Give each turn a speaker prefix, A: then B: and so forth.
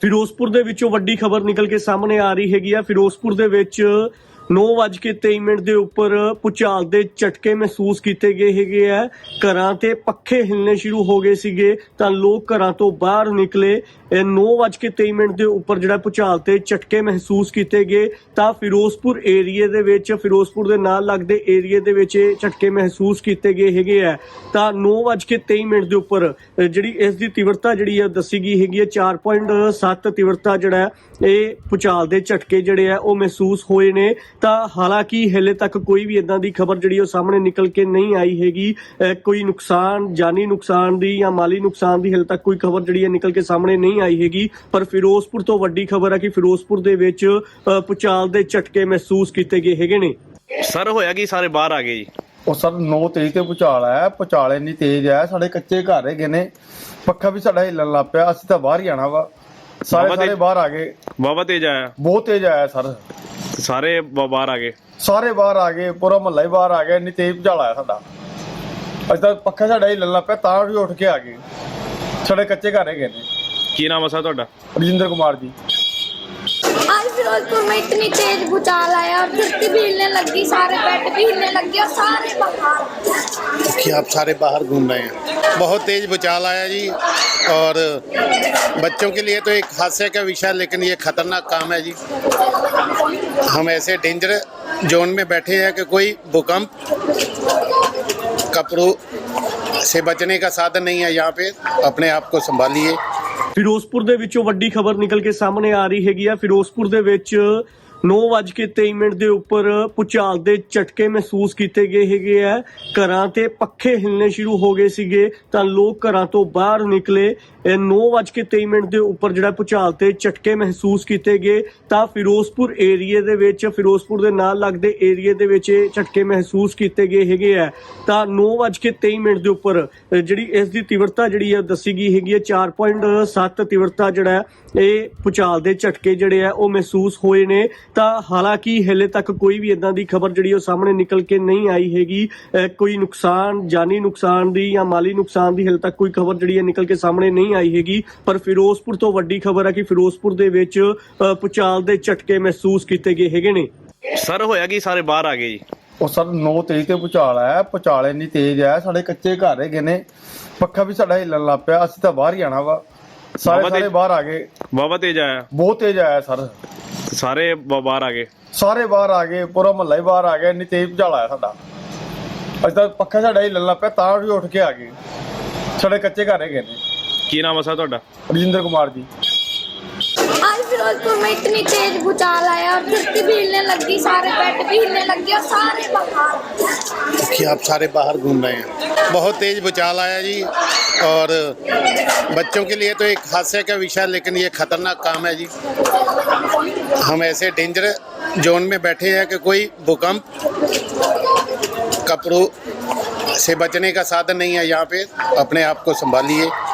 A: ਫਿਰੋਜ਼ਪੁਰ ਦੇ ਵਿੱਚੋਂ ਵੱਡੀ ਖਬਰ ਨਿਕਲ ਕੇ ਸਾਹਮਣੇ ਆ ਰਹੀ ਹੈਗੀ ਆ। ਫਿਰੋਜ਼ਪੁਰ ਦੇ ਵਿੱਚ 9:23 ਦੇ ਉੱਪਰ ਭੂਚਾਲ ਦੇ ਝਟਕੇ ਮਹਿਸੂਸ ਕੀਤੇ ਗਏ ਹੈਗੇ ਆ। ਘਰਾਂ ਤੇ ਪੱਖੇ ਹਿੱਲਣੇ ਸ਼ੁਰੂ ਹੋ ਗਏ ਸੀਗੇ ਤਾਂ ਲੋਕ ਘਰਾਂ ਤੋਂ ਬਾਹਰ ਨਿਕਲੇ। 9:23 ਦੇ ਉੱਪਰ ਜਿਹੜਾ ਭੂਚਾਲ ਤੇ ਝਟਕੇ ਮਹਿਸੂਸ ਕੀਤੇ ਗਏ ਤਾਂ ਫਿਰੋਜ਼ਪੁਰ ਏਰੀਏ ਦੇ ਵਿੱਚ, ਫਿਰੋਜ਼ਪੁਰ ਦੇ ਨਾਲ ਲੱਗਦੇ ਏਰੀਏ ਦੇ ਵਿੱਚ ਇਹ ਝਟਕੇ ਮਹਿਸੂਸ ਕੀਤੇ ਗਏ ਹੈਗੇ ਆ। ਤਾਂ 9:23 ਦੇ ਉੱਪਰ ਜਿਹੜੀ ਇਸ ਦੀ ਤੀਵਰਤਾ ਜਿਹੜੀ ਆ ਦੱਸੀ ਗਈ ਹੈਗੀ ਹੈ 4.7 ਤੀਵਰਤਾ ਜਿਹੜਾ ਇਹ ਭੂਚਾਲ ਦੇ ਝਟਕੇ ਜਿਹੜੇ ਆ ਉਹ ਮਹਿਸੂਸ ਹੋਏ ਨੇ। ਤਾਂ ਹਾਲਾਂਕਿ ਹਲੇ ਤੱਕ ਕੋਈ ਵੀ ਇਦਾਂ ਦੀ ਖਬਰ ਜਿਹੜੀ ਉਹ ਸਾਹਮਣੇ ਨਿਕਲ ਕੇ ਨਹੀਂ ਆਈ ਹੈਗੀ। ਕੋਈ ਨੁਕਸਾਨ, ਜਾਨੀ ਨੁਕਸਾਨ ਦੀ ਜਾਂ ਮਾਲੀ ਨੁਕਸਾਨ ਦੀ ਹਲੇ ਤੱਕ ਕੋਈ ਖਬਰ ਜਿਹੜੀ ਹੈ ਨਿਕਲ ਕੇ ਸਾਹਮਣੇ ਨਹੀਂ ਆਈ ਹੈਗੀ। ਪਰ ਫਿਰੋਜ਼ਪੁਰ ਤੋਂ ਵੱਡੀ ਖਬਰ ਹੈ ਕਿ ਫਿਰੋਜ਼ਪੁਰ ਦੇ ਵਿੱਚ ਭੂਚਾਲ ਦੇ ਝਟਕੇ ਮਹਿਸੂਸ ਕੀਤੇ ਗਏ ਹੈਗੇ ਨੇ।
B: ਸਰ ਹੋਇਆ ਕਿ ਸਾਰੇ ਬਾਹਰ ਆ ਗਏ ਜੀ?
C: ਉਹ ਸਰ 9:23 ਤੇ ਭੂਚਾਲ ਆਇਆ। ਭੂਚਾਲ ਇੰਨੀ ਤੇਜ਼ ਆ, ਸਾਡੇ ਕੱਚੇ ਘਰ ਹੈਗੇ ਨੇ, ਪੱਖਾ ਵੀ ਸਾਡਾ ਹਿੱਲਣ ਲੱਗ ਪਿਆ। ਅਸੀਂ ਤਾਂ ਬਾਹਰ ਹੀ ਆਣਾ ਵਾ। ਸਾਰੇ ਬਾਹਰ ਆ ਗਏ।
B: ਬਾਬਾ ਤੇਜ ਆਇਆ?
C: ਬਹੁਤ ਤੇਜ਼ ਆਇਆ ਸਰ।
B: ਸਾਰੇ ਬਾਹਰ ਆ ਗਏ?
C: ਸਾਰੇ ਬਾਹਰ ਆ ਗਏ, ਪੂਰਾ ਮਹੱਲਾ ਹੀ ਬਾਹਰ ਆ ਗਿਆ। ਇੰਨੀ ਤੇਜ਼ ਭੂਚਾਲ ਆਇਆ ਸਾਡਾ। ਅਸੀਂ ਤਾਂ ਪੱਖਾ ਸਾਡਾ ਹਿੱਲਣ ਲੱਗ ਪਿਆ ਤਾਂ ਵੀ ਉੱਠ ਕੇ ਆ ਗਏ। ਸਾਡੇ ਕੱਚੇ ਘਰ ਹੈਗੇ ਨੇ।
B: ਕੀ ਨਾਮ ਹੈ ਸਰ ਤੁਹਾਡਾ?
C: ਰਜਿੰਦਰ कुमार जी।
D: आज फिरोजपुर में इतनी तेज भूचाल आया और धरती भी हिलने लगी, सारे बेड भी हिलने लगे और सारे बाहर।
E: कि आप सारे बाहर घूम रहे हैं। बहुत तेज भूचाल आया जी और बच्चों के लिए तो एक हादसे का विषय, लेकिन ये खतरनाक काम है जी। हम ऐसे डेंजर जोन में बैठे हैं कि कोई भूकंप कपड़ों से बचने का साधन नहीं है। यहाँ पे अपने आप को संभालिए।
A: ਫਿਰੋਜ਼ਪੁਰ ਦੇ ਵਿੱਚੋਂ ਵੱਡੀ ਖਬਰ ਨਿਕਲ ਕੇ ਸਾਹਮਣੇ ਆ ਰਹੀ ਹੈਗੀ ਆ। ਫਿਰੋਜ਼ਪੁਰ ਦੇ ਵਿੱਚ 9:23 ਦੇ ਉੱਪਰ ਭੂਚਾਲ ਦੇ ਝਟਕੇ ਮਹਿਸੂਸ ਕੀਤੇ ਗਏ ਹੈਗੇ ਆ। ਘਰਾਂ ਤੇ ਪੱਖੇ ਹਿੱਲਣੇ ਸ਼ੁਰੂ ਹੋ ਗਏ ਸੀਗੇ ਤਾਂ ਲੋਕ ਘਰਾਂ ਤੋਂ ਬਾਹਰ ਨਿਕਲੇ। 9:23 ਦੇ ਉੱਪਰ ਜਿਹੜਾ ਭੂਚਾਲ ਤੇ ਝਟਕੇ ਮਹਿਸੂਸ ਕੀਤੇ ਗਏ ਤਾਂ ਫਿਰੋਜ਼ਪੁਰ ਏਰੀਏ ਦੇ ਵਿੱਚ, ਫਿਰੋਜ਼ਪੁਰ ਦੇ ਨਾਲ ਲੱਗਦੇ ਏਰੀਏ ਦੇ ਵਿੱਚ ਇਹ ਝਟਕੇ ਮਹਿਸੂਸ ਕੀਤੇ ਗਏ ਹੈਗੇ ਆ। ਤਾਂ 9:23 ਦੇ ਉੱਪਰ ਜਿਹੜੀ ਇਸ ਦੀ ਤੀਵਰਤਾ ਜਿਹੜੀ ਆ ਦੱਸੀ ਗਈ ਹੈਗੀ ਹੈ 4.7 ਤੀਵਰਤਾ ਜਿਹੜਾ ਇਹ ਭੂਚਾਲ ਦੇ ਝਟਕੇ ਜਿਹੜੇ ਆ ਉਹ ਮਹਿਸੂਸ ਹੋਏ ਨੇ। ਤਾਂ ਹਾਲਾਂਕਿ ਹਲੇ ਤੱਕ ਕੋਈ ਵੀ ਇਦਾਂ ਦੀ ਖਬਰ ਜਿਹੜੀ ਉਹ ਸਾਹਮਣੇ ਨਿਕਲ ਕੇ ਨਹੀਂ ਆਈ ਹੈਗੀ। ਕੋਈ ਨੁਕਸਾਨ, ਜਾਨੀ ਨੁਕਸਾਨ ਦੀ ਜਾਂ ਮਾਲੀ ਨੁਕਸਾਨ ਦੀ ਹਲੇ ਤੱਕ ਕੋਈ ਖਬਰ ਜਿਹੜੀ ਹੈ ਨਿਕਲ ਕੇ ਸਾਹਮਣੇ ਨਹੀਂ ਆਈ ਹੈਗੀ। ਪਰ ਫਿਰੋਜ਼ਪੁਰ ਤੋਂ ਵੱਡੀ ਖਬਰ ਹੈ ਕਿ ਫਿਰੋਜ਼ਪੁਰ ਦੇ ਵਿੱਚ ਭੂਚਾਲ ਦੇ ਝਟਕੇ ਮਹਿਸੂਸ ਕੀਤੇ ਗਏ ਹੈਗੇ ਨੇ।
B: ਸਰ ਹੋਇਆ ਕਿ ਸਾਰੇ ਬਾਹਰ ਆ ਗਏ ਜੀ?
C: ਉਹ ਸਰ 9:23 ਤੇ ਭੂਚਾਲ ਆਇਆ। ਭੂਚਾਲ ਇੰਨੀ ਤੇਜ਼ ਆ, ਸਾਡੇ ਕੱਚੇ ਘਰ ਹੈਗੇ ਨੇ, ਪੱਖਾ ਵੀ ਸਾਡਾ ਹਿੱਲਣ ਲੱਗ ਪਿਆ। ਅਸੀਂ ਤਾਂ ਬਾਹਰ ਹੀ ਆਣਾ ਵਾ। ਸਾਰੇ ਬਾਹਰ ਆ ਗਏ।
B: ਬਾਬਾ ਤੇਜ ਆਇਆ?
C: ਬਹੁਤ ਤੇਜ਼ ਆਇਆ ਸਰ।
B: ਸਾਰੇ ਬਾਹਰ ਆ ਗਏ?
C: ਸਾਰੇ ਬਾਹਰ ਆ ਗਏ, ਪੂਰਾ ਮਹੱਲਾ ਹੀ ਬਾਹਰ ਆ ਗਿਆ। ਇੰਨੀ ਤੇਜ਼ ਭੂਚਾਲ ਆਇਆ ਸਾਡਾ। ਅਸੀਂ ਤਾਂ ਪੱਖਾ ਸਾਡਾ ਹਿੱਲਣ ਲੱਗ ਪਿਆ ਤਾਂ ਵੀ ਉੱਠ ਕੇ ਆ ਗਏ। ਸਾਡੇ ਕੱਚੇ ਘਰ ਹੈਗੇ ਨੇ।
B: ਕੀ ਨਾਮ ਹੈ ਸਰ ਤੁਹਾਡਾ?
C: रजिंदर कुमार जी।
D: आज फिरोजपुर में इतनी तेज भूचाल आया और धरती भी हिलने लगी, सारे बेड भी हिलने लगे और सारे बाहर।
E: कि आप सारे बाहर घूम रहे हैं। बहुत तेज भूचाल आया जी और बच्चों के लिए तो एक हादसे का विषय, लेकिन ये खतरनाक काम है जी। हम ऐसे डेंजर जोन में बैठे हैं कि कोई भूकंप कपड़ों से बचने का साधन नहीं है। यहाँ पे अपने आप को संभालिए।